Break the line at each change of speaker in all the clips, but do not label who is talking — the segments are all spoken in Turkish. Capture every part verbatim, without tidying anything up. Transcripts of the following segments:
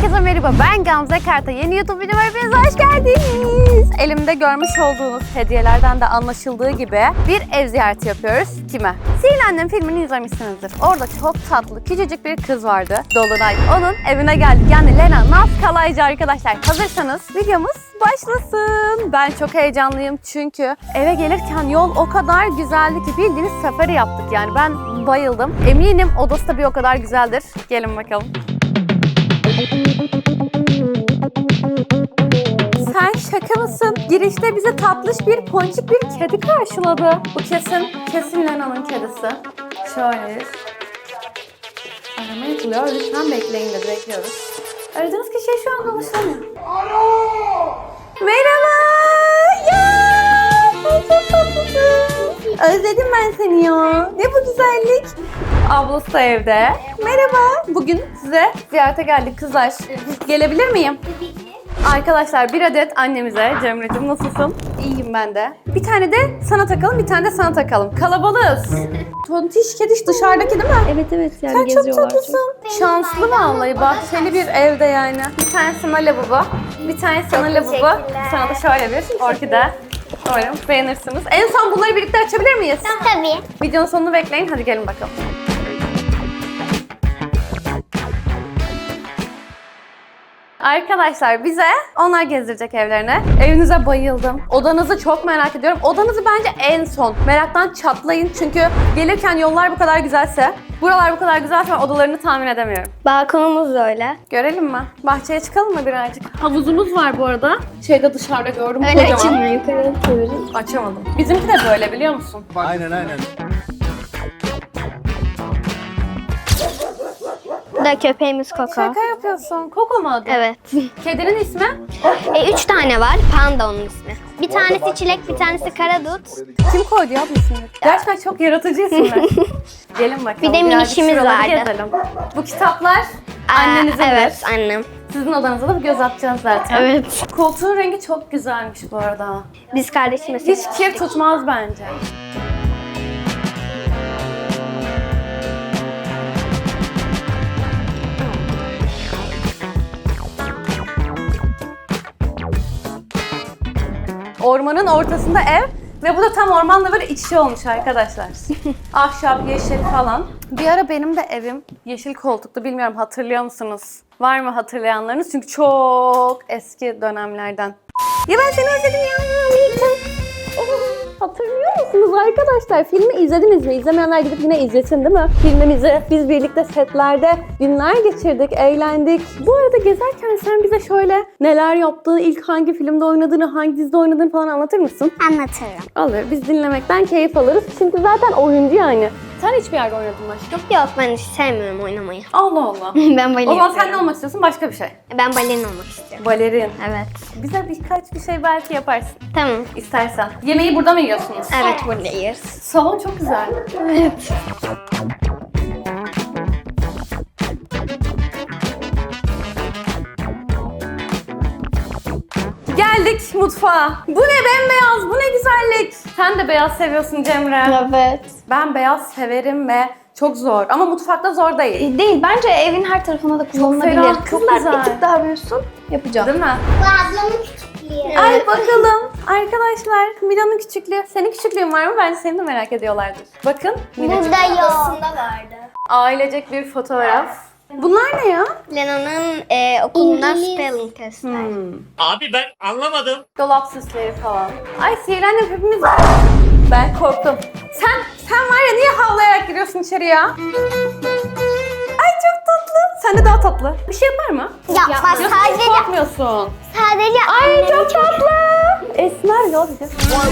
Herkese merhaba, ben Gamze Karta. Yeni YouTube videoma hepiniz hoş geldiniz. Elimde görmüş olduğunuz hediyelerden de anlaşıldığı gibi bir ev ziyareti yapıyoruz. Kime? Sihirli Annem filmini izlemişsinizdir. Orada çok tatlı, küçücük bir kız vardı. Dolunay. Onun evine geldik. Yani Lena Naz Kalaycı arkadaşlar. Hazırsanız videomuz başlasın. Ben çok heyecanlıyım çünkü eve gelirken yol o kadar güzeldi ki bildiğiniz safari yaptık. Yani ben bayıldım. Eminim odası da bir o kadar güzeldir. Gelin bakalım. Sen şaka mısın? Girişte bize tatlış bir ponçik bir kedi karşıladı. Bu kesin, kesin Lena'nın kedisi. Şöyle. Arama yapılıyor. Lütfen bekleyin dedi. Bekliyoruz. Aradığınız kişiye şu an ulaşamıyor. Merhaba. Ya, sen çok tatlısın. Özledim ben seni ya. Ne bu güzellik. Ablası da evde. Merhaba. Bugün size ziyarete geldik kızlar. Gelebilir miyim? Arkadaşlar bir adet annemize. Cemre'cim nasılsın? İyiyim ben de. Bir tane de sana takalım, bir tane de sana takalım. Kalabalığız. Tontiş kediş dışarıdaki değil mi?
Evet evet yani
Sen çok
geziyorlar.
tatlısın. Şanslı vallahi, bahçeli bir evde yani. Bir tanesi sana lavabo, bir tanesi sana lavabo. Sana da şöyle bir orkide. Umarım beğenirsiniz. En son bunları birlikte açabilir miyiz?
Tabii.
Videonun sonunu bekleyin. Hadi gelin bakalım. Arkadaşlar bize onlar gezdirecek evlerine. Evinize bayıldım. Odanızı çok merak ediyorum. Odanızı bence en son. Meraktan çatlayın çünkü gelirken yollar bu kadar güzelse, buralar bu kadar güzelse ben odalarını tahmin edemiyorum.
Balkonumuz da öyle.
Görelim mi? Bahçeye çıkalım mı birazcık? Havuzumuz var bu arada. Şeyde dışarıda gördüm
Öyle
kocaman.
açılmıyor, yukarı çevirin.
Açamadım. Bizimki de böyle biliyor musun?
Aynen aynen.
Bu da köpeğimiz Koko.
Şaka yapıyorsun. Koko mu adı?
Evet.
Kedinin ismi?
E, üç tane var. Panda onun ismi. Bir tanesi çilek, bir tanesi karadut.
Kim koydu ya bu isimleri? Gerçekten çok yaratıcı isimler. Gelin bakalım.
Bir de
birazcık
minişimiz
şuraları
vardı.
Gezelim. Bu kitaplar
Aa,
annenizindir.
Evet, annem.
Sizin odanıza da bir göz atacağız zaten.
Evet.
Koltuğun rengi çok güzelmiş bu arada.
Biz kardeşimiz.
Hiç kir tutmaz bence. Ormanın ortasında ev ve bu da tam ormanla böyle iç içe olmuş arkadaşlar. Ahşap, yeşil falan. Bir ara benim de evim yeşil koltuklu, bilmiyorum hatırlıyor musunuz? Var mı hatırlayanlarınız? Çünkü çok eski dönemlerden. Ya ben seni özledim ya. Hatırlıyor musunuz arkadaşlar? Filmi izlediniz mi? İzlemeyenler gidip yine izlesin değil mi? Filmimizi biz birlikte setlerde günler geçirdik, eğlendik. Bu arada gezerken sen bize şöyle neler yaptığını, ilk hangi filmde oynadığını, hangi dizide oynadığını falan anlatır mısın?
Anlatırım.
Alır. Biz dinlemekten keyif alırız. Çünkü zaten oyuncu yani. Sen hiçbir yerde oynadın mı aşkım?
Yok, ben hiç sevmiyorum oynamayı.
Allah Allah.
Ben balerin
O zaman sen ne
istiyorum.
olmak istiyorsun? Başka bir şey.
Ben balerin olmak istiyorum.
Balerin.
Evet.
Bize birkaç bir şey belki yaparsın.
Tamam.
İstersen. Yemeği burada mı yiyorsunuz?
Evet, buradayız.
Salon çok güzel.
Evet.
Geldik mutfağa. Bu ne bembeyaz, bu ne güzellik. Sen de beyaz seviyorsun Cemre.
Evet.
Ben beyaz severim ve çok zor. Ama mutfakta zor değil.
Değil, bence evin her tarafına da kullanılabilir.
ferah, çok
Kızlar
güzel.
bir tık daha büyüsün, yapacağım.
Değil mi?
Bu ablamın küçüklüğü.
Ay bakalım. Arkadaşlar Mila'nın küçüklüğü. Senin küçüklüğün var mı? Bence seni de merak ediyorlardır. Bakın. Mila'cığım.
Burada yok. vardı.
Ailecek bir fotoğraf. Bunlar ne ya?
Lena'nın e, okulundan
İngiliz.
spelling testler.
Hmm.
Abi ben anlamadım.
Dolap süsleri falan. Ay sihirlendim hepimiz. Ben korktum. Sen sen var ya niye havlayarak giriyorsun içeri ya? Ay çok tatlı. Sen de daha tatlı. Bir şey yapar mı?
Yapmaz.
Yoksa hiç
Sadece,
korkmuyorsun.
sadece
Ay
annem
çok tatlı. Esmer ne olacak?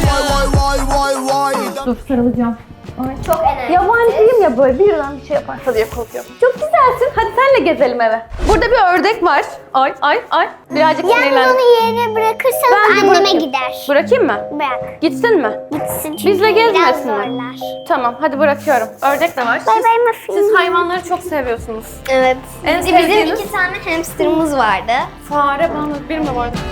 Dur sarılacağım.
çok enerji.
Yabancıyım ya böyle birden bir şey yaparsa diye korkuyorum. Çok güzelsin. Hadi senle gezelim eve. Burada bir ördek var. Ay ay ay. Birazcık
Yalnız
sinirlendim.
onu yerine bırakırsanız
Ben de
anneme
bırakayım.
gider.
Bırakayım mı?
Bırak.
Gitsin mi?
Gitsin çünkü
Bizle
biraz
gezmesin mi?
zorlar.
Tamam hadi bırakıyorum. Ördek de var.
Bay
Siz,
bay muffin.
siz hayvanları çok seviyorsunuz.
Evet.
En
Bizim
sevdiğiniz?
iki tane hamsterımız vardı.
Fare bana bir mi vardı?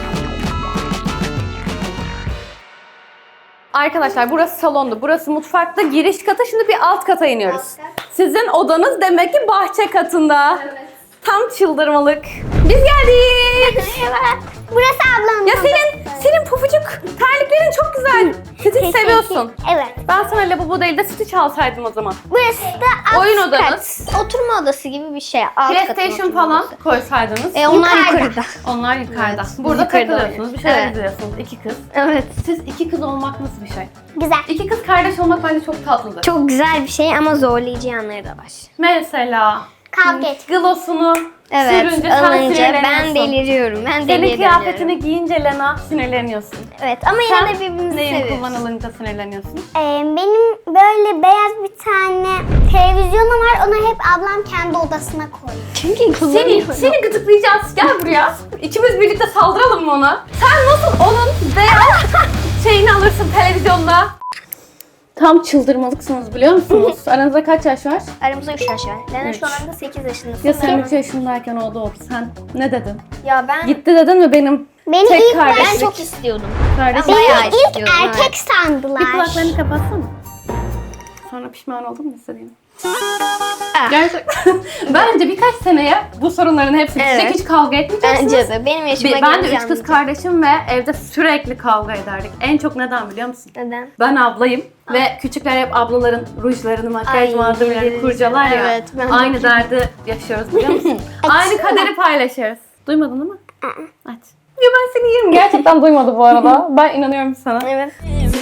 Arkadaşlar burası salondu. Burası mutfakta. Giriş katı. Şimdi bir alt kata iniyoruz. Sizin odanız demek ki bahçe katında. Evet. Tam çıldırmalık. Biz geldik.
Burası ablamın.
Ya senin, senin pabucuk terliklerin çok güzel. Stitch seviyorsun.
Evet.
Ben sana lavabo değil de Stitch alsaydım o zaman.
Burası da alt
Oyun
kat.
odanız.
Oturma odası gibi bir şey. Alt katın
PlayStation
oturma
falan
odası.
koysaydınız.
E onlar
Yukarıda.
yukarıda.
Onlar yukarıda.
Evet,
Burada
yukarıda
takılıyorsunuz, bir şeyler
Evet.
izliyorsunuz. İki kız.
Evet.
Siz iki kız olmak nasıl bir şey?
Güzel.
İki kız kardeş olmak bence çok tatlıdır.
Çok güzel bir şey ama zorlayıcı yanları da var.
Mesela
Kavga et.
glossunu
Evet,
sürünce sen
alınca
sinirleniyorsun.
ben deliriyorum. Ben
Senin
deliriyorum.
kıyafetini giyince Lena sinirleniyorsun.
Evet ama yine
Sen
de birbirimizi
neyin
seviyoruz.
kullanılınca sinirleniyorsun?
Ee, benim böyle beyaz bir tane televizyonum var. Onu hep ablam kendi odasına koyuyor.
Çünkü
Seni,
kullanıyorum.
seni gıdıklayacağız. Gel buraya. İkimiz birlikte saldıralım mı ona? Sen nasıl onun beyaz şeyini alırsın televizyonda? Tam çıldırmalıksınız biliyor musunuz? Aranızda kaç yaş var?
Aramızda üç yaş var. Lena
Üç.
şu anda sekiz yaşındasın.
Ya sen üç yaşındayken o doğdu. Sen ne dedin?
Ya ben
Gitti dedin mi benim
Beni
tek
ilk
kardeşlik?
ben çok istiyordum.
kardeşim?
Ben bayağı
Beni ilk
istiyordum,
erkek
evet.
sandılar.
Bir kulaklarını kapatsana. Sonra pişman oldun mu istediğin?
Ah.
Gerçekten. Bence birkaç seneye bu sorunların hepsi bitecek.
Evet.
Hiç kavga etmeyeceksiniz.
Bence de. Benim yaşıma
Bir- Ben de
gelince
üç kız
anlayacağım.
kardeşim ve evde sürekli kavga ederdik. En çok neden biliyor musun?
Neden?
Ben ablayım ve küçükler hep ablaların rujlarını, makyaj
Ay,
malzemelerini
evet.
kurcalar ya.
Evet, ben de
Aynı
biliyorum.
derdi yaşıyoruz biliyor musun? Aynı kaderi paylaşıyoruz. Duymadın değil mi? Aç. Ya ben seni yerim. Gerçekten duymadı bu arada. Ben inanıyorum sana.
Evet.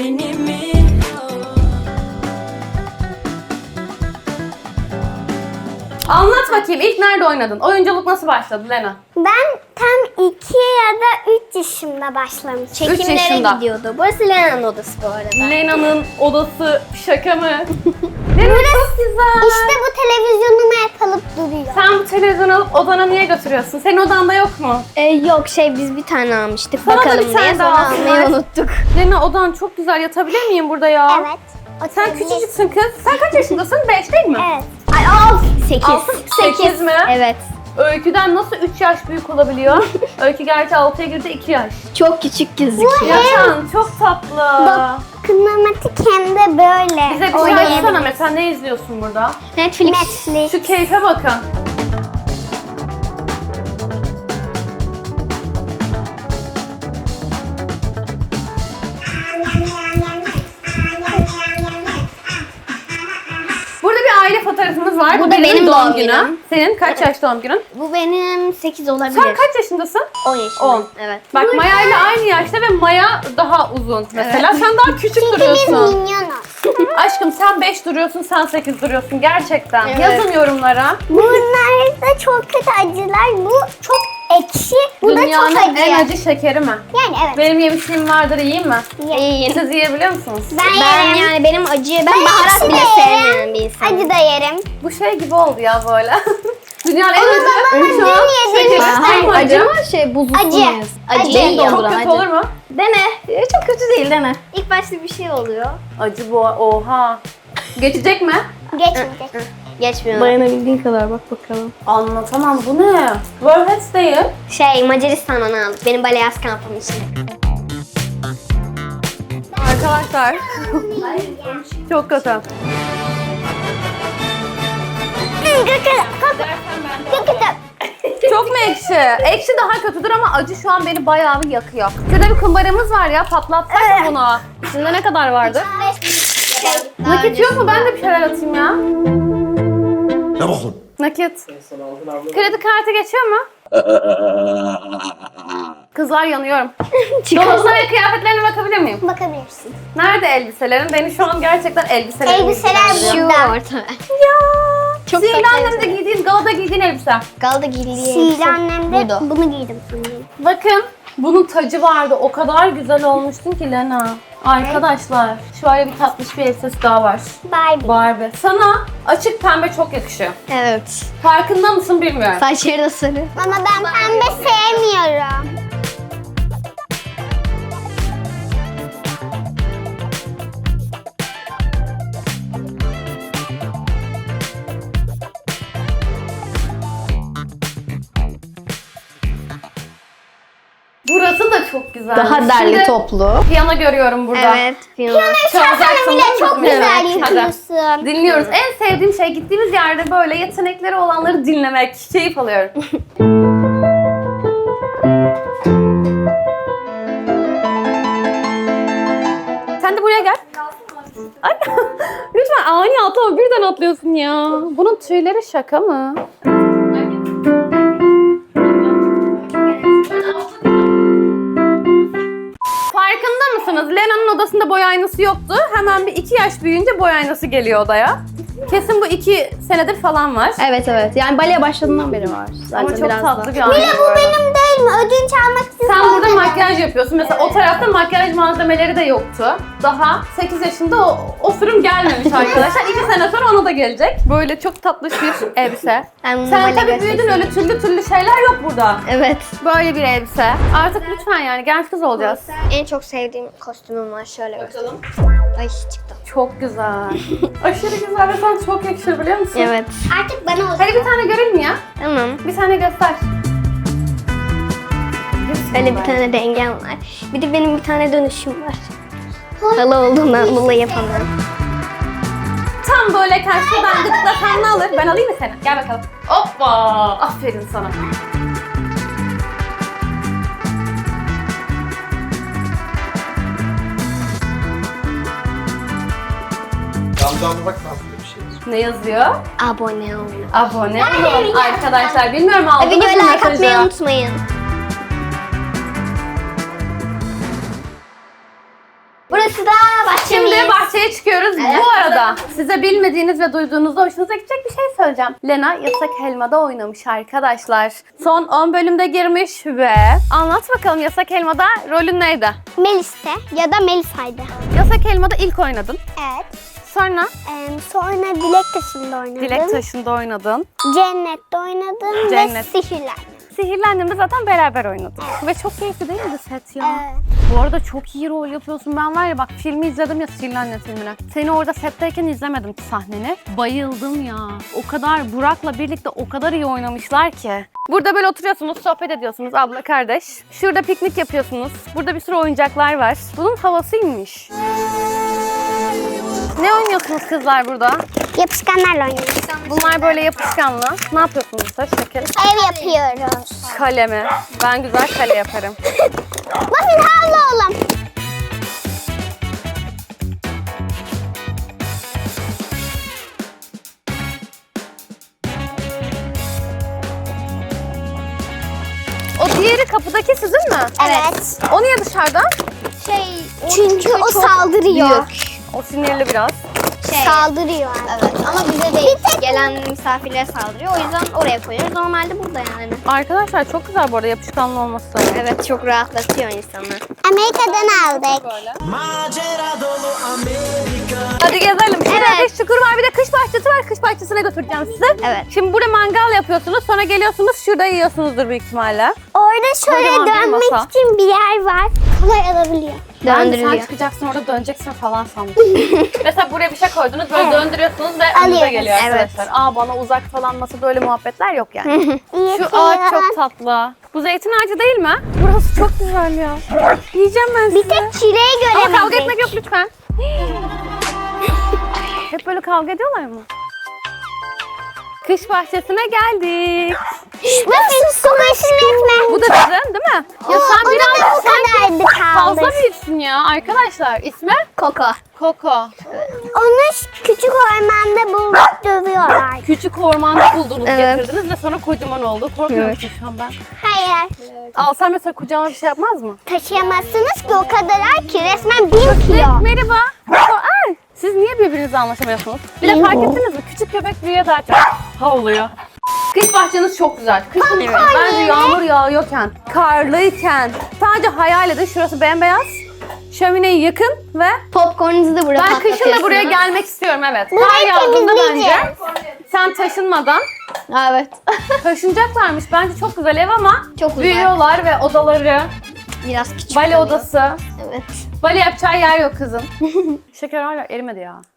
Anlat bakayım ilk nerede oynadın? Oyunculuk nasıl başladı Lena?
Ben tam iki ya da üç yaşımda başlamıştım.
Üç
Çekimlere
yaşında.
gidiyordu. Burası Lena'nın odası bu arada.
Lena'nın odası şaka mı? Lena çok güzel.
İşte bu televizyonumu hep alıp duruyor.
Sen bu televizyonu alıp odana niye götürüyorsun? Senin odanda yok mu?
Ee, yok şey biz bir tane almıştık.
Sana da
Bakalım
bir tane
diye
daha
sonra
alsınlar.
almayı unuttuk.
Lena odan çok güzel. Yatabilir miyim burada ya?
Evet.
Sen
Oturabilir.
küçücüksün kız. Sen kaç yaşındasın? Beş değil mi?
Evet.
Ay al.
Sekiz.
Altı, sekiz mi?
Evet.
Öyküden nasıl üç yaş büyük olabiliyor? Öykü gerçi altıya girdi iki yaş.
Çok küçük gözüküyor.
Yatan çok tatlı.
Kınamatik hem de böyle.
Bize bir şey
oynayabilir.
açsana mesela ne izliyorsun burada?
Netflix.
Netflix.
Şu keyfe bakın. Burada bir aile fotoğrafımız var.
Bu
Bu
da
benim,
benim
doğum
doğum
günüm.
günüm.
Senin kaç yaş doğum günün?
Bu benim sekiz olabilir.
Sen kaç yaşındasın?
on yaşındayım.
on.
Evet.
Bak Maya ile aynı yaşta ve Maya daha uzun mesela. Sen daha küçük
Biz
duruyorsun.
minyonuz.
Aşkım sen beş duruyorsun, sen sekiz duruyorsun gerçekten.
Evet.
Yazın yorumlara.
Bunlar da çok kötü acılar. Bu çok ekşi. Bu da
Dünyanın
çok acı.
en acı şekeri mi?
Yani evet.
Benim yemişliğim vardır, yiyeyim mi?
İyiyim.
Siz yiyebiliyor musunuz?
Ben,
Ben
yerim.
yani benim acı, ben,
Ben
baharat
ekşi
bile
de yerim.
sevmeyen bir insanım.
Acı da yerim.
Bu şey gibi oldu ya böyle. Dünyanın en
Onu
acı.
babama
Şu an
dün yedim.
şekeri
Ha,
çok mu
acı
acı?
mı şey buzlu
Acı.
muyuz?
Acı.
Acı
Değil,
Çok
donduran
kötü
acı.
olur mu?
Dene. Ee, Çok kötü değil dene. İlk başta bir şey oluyor.
Acı bu. Oha. Geçecek mi?
Geçmeyecek.
Geçmiyor.
Dayanabildiğin kadar bak bakalım.
Anlatamam. Bu ne? Warheads değil.
Şey Macaristan'dan aldık. Benim Baleaz kampım için.
Arkadaşlar. Çok kötü.
Çok kötü.
Çok mu ekşi? Ekşi daha kötüdür ama acı şu an beni bayağı bir yakıyor. Şurada bir kumbaramız var ya, patlatsak mı bunu? İçinde ne kadar vardı? Nakit yok mu? Ben de bir şeyler atayım ya.
Ne bakın?
Nakit. Kredi kartı geçiyor mu? Kızlar yanıyorum. Dolabına ve kıyafetlerine bakabilir miyim?
Bakabilirsin.
Nerede elbiselerin? Beni şu an gerçekten elbiselerim
Elbiseler
ilgilendiriyor.
burada.
orta.
Ya.
Çok
Sihirli
tatlı
annemde giydiğin, galada giydiğin elbise.
Galda giydiği
Sihirli annemde
Buydu.
bunu giydim.
Bakın bunun tacı vardı. O kadar güzel olmuştun ki Lena. Arkadaşlar şöyle bir tatlış bir elbisesi daha var.
Barbie.
Barbie. Sana açık pembe çok yakışıyor.
Evet.
Farkında mısın bilmiyorum.
Saçları da sarı.
Ama ben pembe sevmiyorum.
Burası Burası da çok güzel.
Daha derli toplu.
Piyano görüyorum burada.
Evet. Piyano.
Çalacaksın
bile
değil mi?
çok güzel
Evet, hadi.
yapıyorsun.
Dinliyoruz. En sevdiğim şey gittiğimiz yerde böyle yetenekleri olanları dinlemek. Keyif alıyorum. Sen de buraya gel. Ay, lütfen ani atlama. Birden atlıyorsun ya. Bunun tüyleri şaka mı? Farkında mısınız? Lena'nın odasında boy aynası yoktu. Hemen bir iki yaş büyüyünce boy aynası geliyor odaya. Kesin bu iki senedir falan var.
Evet evet. Yani baleye başladığından beri var. Zaten
Ama çok
biraz
tatlı
da.
bir anne.
Bu benim değil mi? Ödünç almak için.
Sen burada makyaj yapıyorsun. Mesela o tarafta makyaj malzemeleri de yoktu. Daha sekiz yaşında o, o sürüm gelmemiş arkadaşlar. iki sene sonra ona da gelecek. Böyle çok tatlış bir elbise.
Ben bunu
Sen
böyle
tabii büyüdün,
göstereyim.
öyle türlü türlü şeyler yok burada.
Evet.
Böyle bir elbise. Artık lütfen yani genç kız olacağız.
En çok sevdiğim kostümüm var. Şöyle bakalım. Ay çıktı.
Çok güzel. Aşırı güzel ve sen çok yakışır biliyor musun?
Evet.
Artık bana olsun.
Hadi bir tane görelim ya.
Tamam.
Bir tane göster.
Öyle bir tane dengem var. Bir de benim bir tane dönüşüm var. Halı olduğundan dolayı yapamıyorum.
Tam böyle karşıdan gıdıklasam ne alır? Ben alayım mı seni? Gel bakalım. Hoppa! Aferin sana.
Camdan bak nasıl bir şey.
Ne yazıyor?
Abone olun.
Abone olun arkadaşlar. Bilmiyorum aldınız mı
Videoya like atmayı
mesajı?
unutmayın. Burası da bahçemiz.
Şimdi bahçeye çıkıyoruz. Bu arada size bilmediğiniz ve duyduğunuzda hoşunuza gidecek bir şey söyleyeceğim. Lena Yasak Elma'da oynamış arkadaşlar. Son on bölümde girmiş ve anlat bakalım Yasak Elma'da rolün neydi?
Melis'te ya da Melisa'ydı.
Yasak Elma'da ilk oynadın.
Evet.
Sonra
Ee, sonra Dilek Taşı'nda oynadım.
Dilek Taşı'nda oynadın.
Cennet'te oynadım
Cennet.
ve Sihirler.
Sihirli Annem'de zaten beraber oynadık. Ve çok keyifli değil mi set ya?
Evet.
Bu arada çok iyi rol yapıyorsun. Ben var ya bak filmi izledim ya Sihirli Annem filmini. Seni orada setteyken izlemedim sahneni. Bayıldım ya. O kadar Burak'la birlikte o kadar iyi oynamışlar ki. Burada böyle oturuyorsunuz, sohbet ediyorsunuz abla kardeş. Şurada piknik yapıyorsunuz. Burada bir sürü oyuncaklar var. Bunun havasıymış. Ne oynuyorsunuz kızlar burada?
Yapışkanlarla oynuyoruz.
Bunlar böyle yapışkanlı. Ne yapıyorsunuz da şeker?
Ev yapıyoruz.
Kalemi. Ben güzel kale yaparım.
Muffin havlu oğlum.
O diğeri kapıdaki sizin mi?
Evet.
O niye dışarıda?
Şey,
Çünkü o saldırıyor.
O sinirli biraz.
Şey,
Saldırıyor.
evet ama bize değil. Gelen misafirlere saldırıyor. O yüzden oraya koyuyoruz. Normalde burada yani.
Arkadaşlar çok güzel bu arada yapışkanlı olması.
Evet çok rahatlatıyor insanı.
Amerika'dan aldık.
Hadi gezelim. Şurada
Evet.
bir çukur var, bir de kış bahçesi var. Kış bahçesine götüreceğim sizi.
Evet.
Şimdi burada mangal yapıyorsunuz. Sonra geliyorsunuz şurada yiyorsunuzdur büyük ihtimalle.
Orada şöyle
Kocaman bir
dönmek
masa.
için bir yer var. Kolay alabiliyor.
Ben sen
Döndürülüyor.
çıkacaksın orada döneceksin falan sandım. Mesela buraya bir şey koydunuz böyle
Evet.
döndürüyorsunuz ve önünüze
Alıyoruz.
geliyor
Evet.
arkadaşlar. Aa bana uzak falan masa böyle muhabbetler yok yani.
İyi
Şu
ki
ağaç
ya.
çok tatlı. Bu zeytin ağacı değil mi? Burası çok güzel ya. Yiyeceğim ben sizi.
Bir tek çileği
Ama kavga
göremedik.
etmek yok lütfen. Hep böyle kavga ediyorlar mı? Kış bahçesine geldik.
Muffin kumaşını etme.
Bu da sizin değil mi? Ya sen
Ona da
biraz
bu kadardı
fazla
kaldı.
büyüksün ya arkadaşlar. İsmi?
Koko.
Koko.
Onu küçük ormanda bulup dövüyorlar.
Küçük ormanda buldunuz,
Evet.
getirdiniz ve sonra kocaman oldu. Korkmuyor musun şu an ben?
Hayır.
Alsam mesela kucağıma bir şey yapmaz mı?
Taşıyamazsınız ki o kadar ağır ki resmen bin kilo.
Merhaba. Ay, siz niye birbirinizle anlaşamıyorsunuz? Bir de fark ettiniz mi? Küçük köpek büyüye daha çok havlıyor. Kış bahçeniz çok güzel. Kışın bence yağmur yağıyorken, karlıyken sadece hayal edin şurası bembeyaz. Şömineyi yakın ve
Popcornunuzu da buraya
ben kışın da
patlatıyorsunuz.
buraya gelmek istiyorum evet. Kar
Burayı
yağdığında bence
temizleyeceğiz.
sen taşınmadan
Evet.
taşınacaklarmış. Bence çok güzel ev ama
Çok güzel.
büyüyorlar ve odaları,
Biraz küçük
bale
oluyor.
odası.
Evet.
Bale yapacağı yer yok kızın. Şeker hala erimedi ya.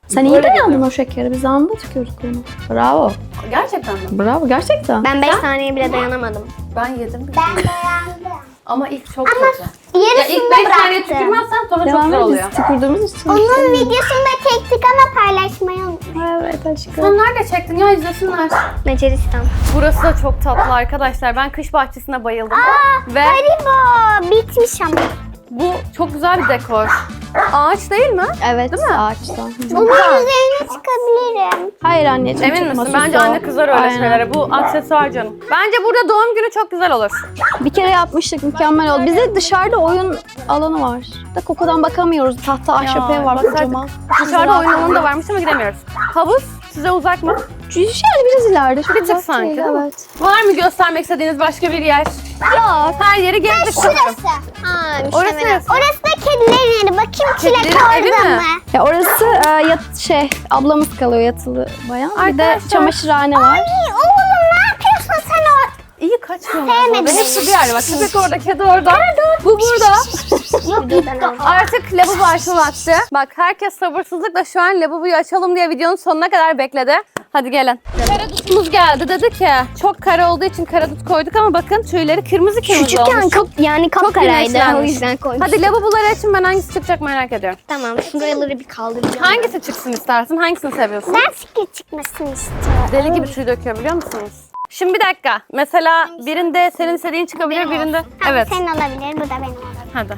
Sen iyi
Böyle
dayandın o şekeri. Biz anında tükürdük onu. Bravo.
Gerçekten mi?
Bravo. Gerçekten.
Ben beş saniyeye bile dayanamadım.
Ben yedim.
Ben beğendim.
Ama ilk çok kötü. Ya
Yarısını
ilk
da
beş saniye
bıraktım.
tükürmezsen sonra çok
Devam
güzel oluyor.
edeceğiz. Tükürdüğümüz için.
Onun videosunu da çektik ama paylaşmayı unutmayın.
Evet aşkım.
Sen nerede çektin ya, izlesinler.
Macaristan.
Burası da çok tatlı arkadaşlar. Ben kış bahçesine bayıldım. Ve
Haribo bitmiş ama.
bu çok güzel bir dekor. Ağaç değil mi?
Evet.
Değil mi?
Ağaçtan.
Bunun üzerine çıkabilirim.
Hayır anneciğim.
Emin
çıkma,
misin?
sus
Bence
o.
anne kızar öyle
Aynen.
şeylere. Bu aksesuar canım. Bence burada doğum günü çok güzel olur.
Bir kere yapmıştık, mükemmel oldu. Bizde dışarıda oyun alanı var. Da kokudan bakamıyoruz. Tahta ahşap ev var
bakardık.
kocaman.
Dışarıda oyun alanı da varmış ama gidemiyoruz. Havuz size uzak mı?
Yani biraz ileride. Çok
Bir tık
uzak
sanki,
değil,
değil mi?
evet.
Var mı göstermek istediğiniz başka bir yer?
Yok.
Her yeri gezdik sanırım.
Şurası.
Ha,
Orası
müştemel.
neresi?
Orası da kedilerin yeri. Bakayım çilek
Kedilerin evi
orada
mi?
mı?
Ya orası e, yat, şey ablamız kalıyor yatılı bayan. Bir de
Arkadaşlar-
çamaşırhane var.
Ay oğlum ne yapıyorsun sen orada?
İyi kaçmıyorlar.
Sevmedim.
Ve hepsi bir yerde. Bak köpek orada, kedi orada. Bu burada.
Yok yok.
Artık lavabo açma vakti. Bak herkes sabırsızlıkla şu an lavaboyu açalım diye videonun sonuna kadar bekledi. Hadi gelin. Karadutumuz geldi. Dedi ki çok kara olduğu için karadut koyduk ama bakın tüyleri kırmızı kırmızı
Küçükken
olmuş.
çok yani kapkaraydı. O
güneşlenmiş.
yüzden koymuştum.
Hadi lavaboları açın, ben hangisi çıkacak merak ediyorum.
Tamam, şuraları bir kaldıracağım.
Hangisi çıksın istersin? Hangisini seviyorsun?
Ben fikir çıkmasını istiyorum.
Deli gibi tüy döküyor biliyor musunuz? Şimdi bir dakika. Mesela birinde senin istediğin çıkabilir, birinde...
Tamam,
Evet.
senin olabilir, bu da benim olabilir.
Hadi.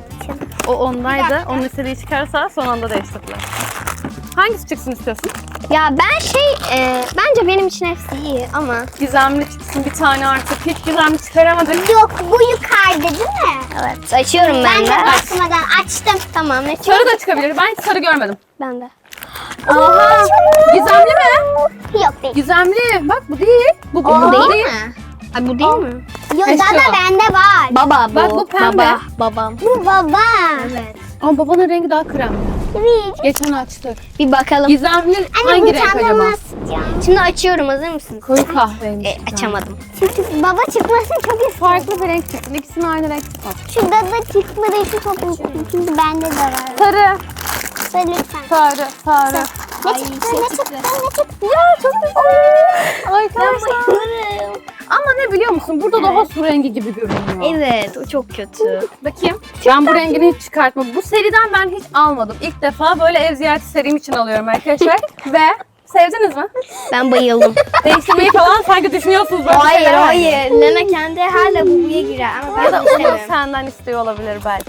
O ondaydı. Onun istediği çıkarsa son anda değiştirdiler. Hangisi çıksın istiyorsun?
Ya ben şey, e, bence benim için hepsi iyi ama
Gizemli çıksın bir tane artık. Hiç gizemli çıkaramadık.
Yok bu yukarıda değil mi?
evet açıyorum ben,
Ben de
de.
bakmadan açtım.
Tamam ne
Sarı da çıkabilir. Ben hiç sarı görmedim.
Ben de.
Oha! Gizemli mi?
Yok değil.
Gizemli. Bak bu değil. Bu, bu,
Bu
bu
değil mi? Ay bu değil mi?
Yok
Eşya.
dada bende var.
Baba bu.
Bak bu pembe.
Baba, babam.
Bu baba.
Evet.
Ama babanın rengi daha kremli.
Evet.
Geçen açtık.
Bir bakalım.
Gizemli
Anne
hangi
bu
renk acaba?
çantamı istiyorum.
Şimdi açıyorum, hazır mısınız?
Koyu kahverengi.
E, açamadım.
Çünkü baba çıkmasını çok istiyorum.
Farklı bir renk çıksın. İkisinin aynı renk çıksın.
Şu dada çıkmadığı için çok istiyorum. Çünkü bende de var.
Sarı.
Söyle lütfen.
Sarı. Sarı.
Ne çıktı, ne çıktı, ne çıktı?
Ya çok güzel. Arkadaşlar. Ama ne biliyor musun? Burada daha su rengi gibi görünüyor.
Evet, o çok kötü.
Bakayım. Ben bu rengini hiç çıkartmadım. Bu seriden ben hiç almadım. İlk defa böyle ev ziyareti serim için alıyorum arkadaşlar. Ve sevdiniz mi?
Ben bayıldım.
Değiştirmeyi falan sanki düşünüyorsunuz böyle
hayır,
şeyler.
hayır. Lena kendi her lavaboya girer ama
Ya da
ben
Umut
istemem.
senden istiyor olabilir belki.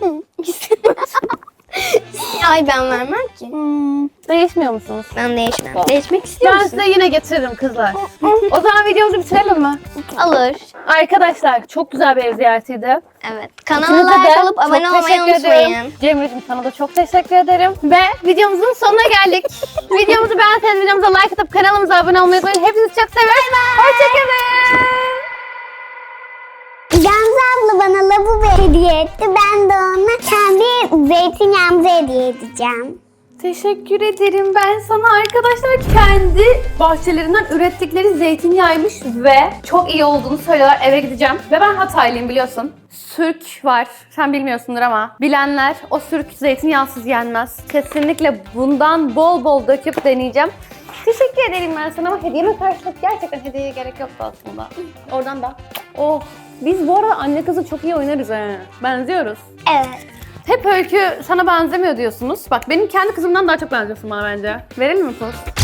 Ay ben vermem ki.
Değişmiyor musunuz?
Ben değişmem. Değişmek istiyor
Ben
musun?
size yine getiririm kızlar. O zaman videomuzu bitirelim mi?
Alır.
Arkadaşlar çok güzel bir ev ziyaretiydi.
Evet.
İkinize
Kanala like
de
olup
çok
abone olmayı
teşekkür
unutmayın.
ederim. Cemre'cim sana da çok teşekkür ederim. Ve videomuzun sonuna geldik. Videomuzu beğenseniz videomuza like atıp kanalımıza abone olmayı unutmayın. Hepinizi çok seviyoruz. Hoşçakalın.
Gamze abla bana lavabo hediye etti. Ben de ona kendi zeytinyağımızı hediye edeceğim.
Teşekkür ederim. Ben sana arkadaşlar kendi bahçelerinden ürettikleri zeytinyağıymış ve çok iyi olduğunu söylüyorlar. Eve gideceğim. Ve ben Hataylıyım biliyorsun. Sürk var. Sen bilmiyorsundur ama bilenler o sürk zeytinyağsız yenmez. Kesinlikle bundan bol bol döküp deneyeceğim. Teşekkür ederim ben sana ama hediyeme karşılık gerçekten hediyeye gerek yoktu aslında. Oradan da. Oh. Biz bu arada anne kızı çok iyi oynarız he. Benziyoruz.
Evet.
Hep Öykü sana benzemiyor diyorsunuz. Bak benim kendi kızımdan daha çok benziyorsun bana bence. Verelim mi poz?